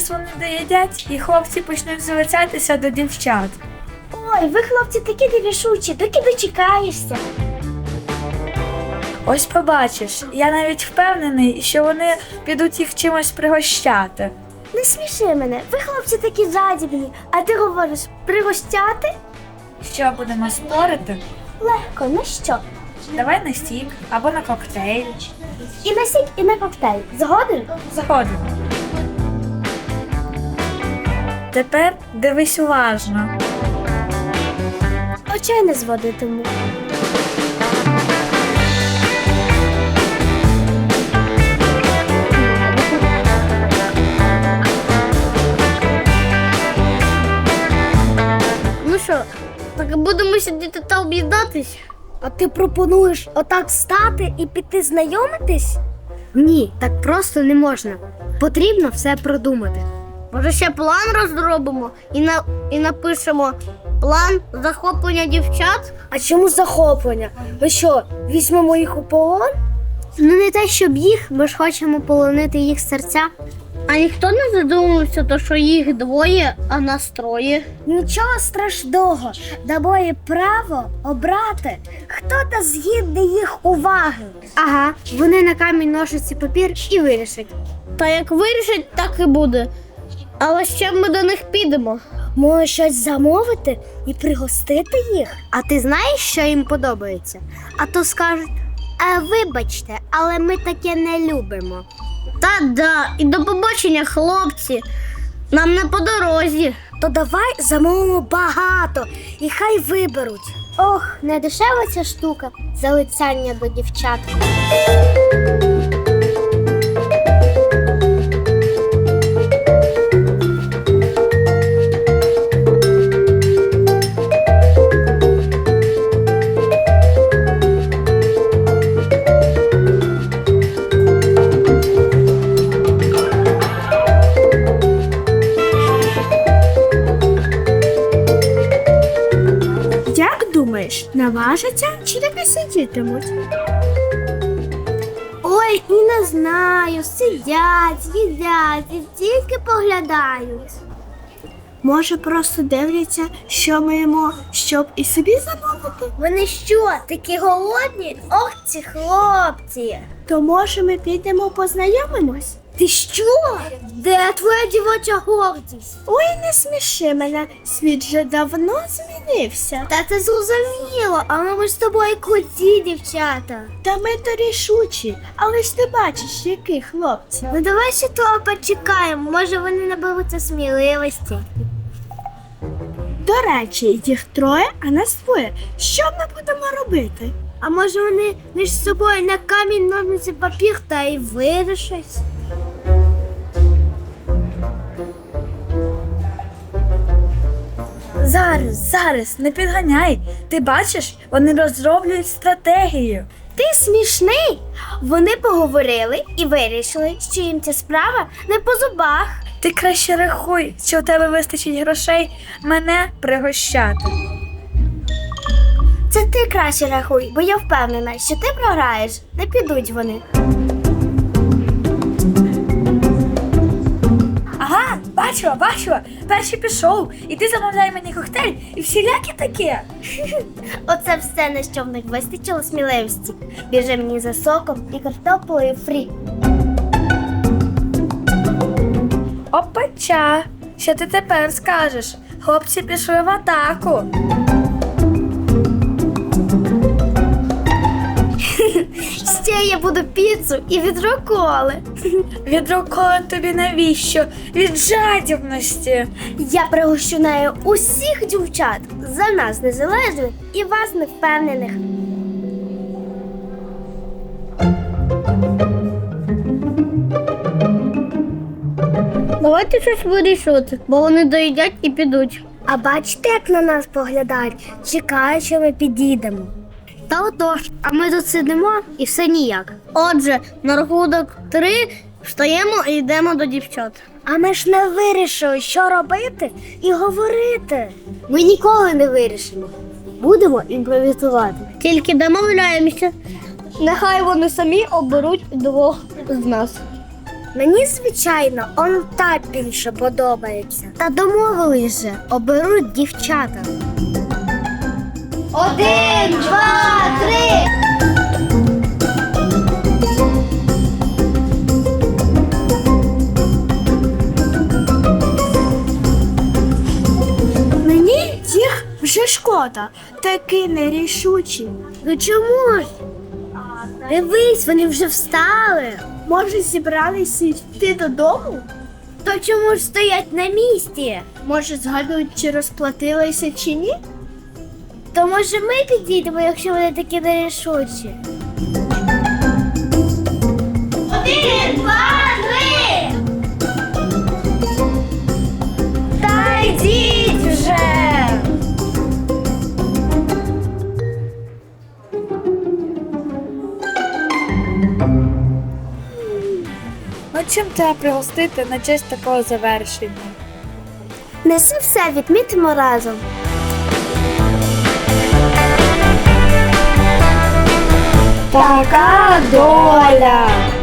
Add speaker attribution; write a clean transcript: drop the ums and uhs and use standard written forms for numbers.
Speaker 1: Зараз вони доїдять, і хлопці почнуть залицятися до дівчат.
Speaker 2: Ой, ви, хлопці, такі нерішучі, доки дочекаєшся.
Speaker 1: Ось побачиш, я навіть впевнений, що вони підуть їх чимось пригощати.
Speaker 2: Не сміши мене, ви, хлопці, такі жадібні, а ти говориш пригощати?
Speaker 1: Що, будемо спорити?
Speaker 2: Легко, на що?
Speaker 1: Давай на сік або на коктейль.
Speaker 2: І на сік, і на коктейль. Згоден?
Speaker 1: Заходимо. Тепер дивись уважно.
Speaker 2: Очей не зводитиму.
Speaker 3: Ну що, так будемо сидіти та об'їдатись?
Speaker 2: А ти пропонуєш отак стати і піти знайомитись?
Speaker 3: Ні, так просто не можна. Потрібно все продумати. Може, ще план розробимо і напишемо план захоплення дівчат?
Speaker 2: А чому захоплення? Ми що, візьмемо їх у полон?
Speaker 3: Ну не те, щоб їх, ми ж хочемо полонити їх серця. А ніхто не задумався, то що їх двоє, а нас троє.
Speaker 2: Нічого страшного, дамо їм право обрати, хто та згідний їх уваги.
Speaker 3: Ага, вони на камінь, ножиці, папір і вирішать. Та як вирішать, так і буде. Але ще ми до них підемо.
Speaker 2: Може щось замовити і пригостити їх?
Speaker 3: А ти знаєш, що їм подобається? А то скажуть, вибачте, але ми таке не любимо. Та-да, і до побачення, хлопці. Нам не по дорозі.
Speaker 2: То давай замовимо багато і хай виберуть.
Speaker 3: Ох, не дешева ця штука залицяння до дівчат.
Speaker 2: Як думаєш, наважаться чи таки сидітимуть?
Speaker 3: Ой, і не знаю, сидять, їдять і тільки поглядають.
Speaker 2: Може, просто дивляться, що ми їмо, щоб і собі замовити?
Speaker 3: Вони що, такі голодні? Ох, ці хлопці!
Speaker 2: То може ми підемо познайомимось?
Speaker 3: Ти що? Де твоя дівоча гордість?
Speaker 2: Ой, не сміши мене, світ вже давно змінився.
Speaker 3: Та це зрозуміло, але ми ж з тобою круті, дівчата.
Speaker 2: Та ми то рішучі, але ж ти бачиш, які хлопці.
Speaker 3: Ну давай ще того почекаємо, може вони наберуться сміливості.
Speaker 2: До речі, їх троє, а нас двоє. Що ми будемо робити?
Speaker 3: А може вони між собою на камінь, ножниці, папір та й вирішать?
Speaker 1: Зараз, не підганяй. Ти бачиш, вони розроблюють стратегію.
Speaker 2: Ти смішний. Вони поговорили і вирішили, що їм ця справа не по зубах.
Speaker 1: Ти краще рахуй, що у тебе вистачить грошей мене пригощати.
Speaker 2: Це ти краще рахуй, бо я впевнена, що ти програєш. Не підуть вони.
Speaker 1: Ага, бачила. Перший пішов. І ти замовляй мені коктейль і всілякі таке.
Speaker 2: Оце все, на що в них вистачило сміливості. Біжи мені за соком і картоплею фрі.
Speaker 1: Опача, що ти тепер скажеш? Хлопці пішли в атаку.
Speaker 2: Ще я буду піцу і відро коли.
Speaker 1: Відро коли тобі навіщо? Від жадібності.
Speaker 2: Я пригощу нею усіх дівчат, за нас незалежних і вас невпевнених.
Speaker 3: Давайте щось вирішувати, бо вони доїдять і підуть.
Speaker 2: А бачите, як на нас поглядають? Чекають, що ми підійдемо.
Speaker 3: Та отож, а ми тут сидимо і все ніяк. Отже, на рахунок 3 встаємо і йдемо до дівчат.
Speaker 2: А ми ж не вирішили, що робити і говорити.
Speaker 3: Ми ніколи не вирішимо. Будемо імпровізувати. Тільки домовляємося. Нехай вони самі оберуть двох з нас.
Speaker 2: Мені, звичайно, он та більше подобається.
Speaker 3: Та домовились же, оберуть дівчата. 1, 2, 3.
Speaker 1: Мені їх вже шкода, такі нерішучі.
Speaker 2: Ну чому ж? Дивись, вони вже встали.
Speaker 1: Може, зібралися йти додому?
Speaker 2: То чому ж стоять на місці?
Speaker 1: Може, згадують, чи розплатилися, чи ні?
Speaker 2: То може ми підійдемо, якщо вони такі нерішучі?
Speaker 3: 1, 2, 3.
Speaker 2: Та йдіть вже!
Speaker 1: Ну чим треба пригостити на честь такого завершення?
Speaker 2: Неси все, відмітимо разом.
Speaker 1: Така доля!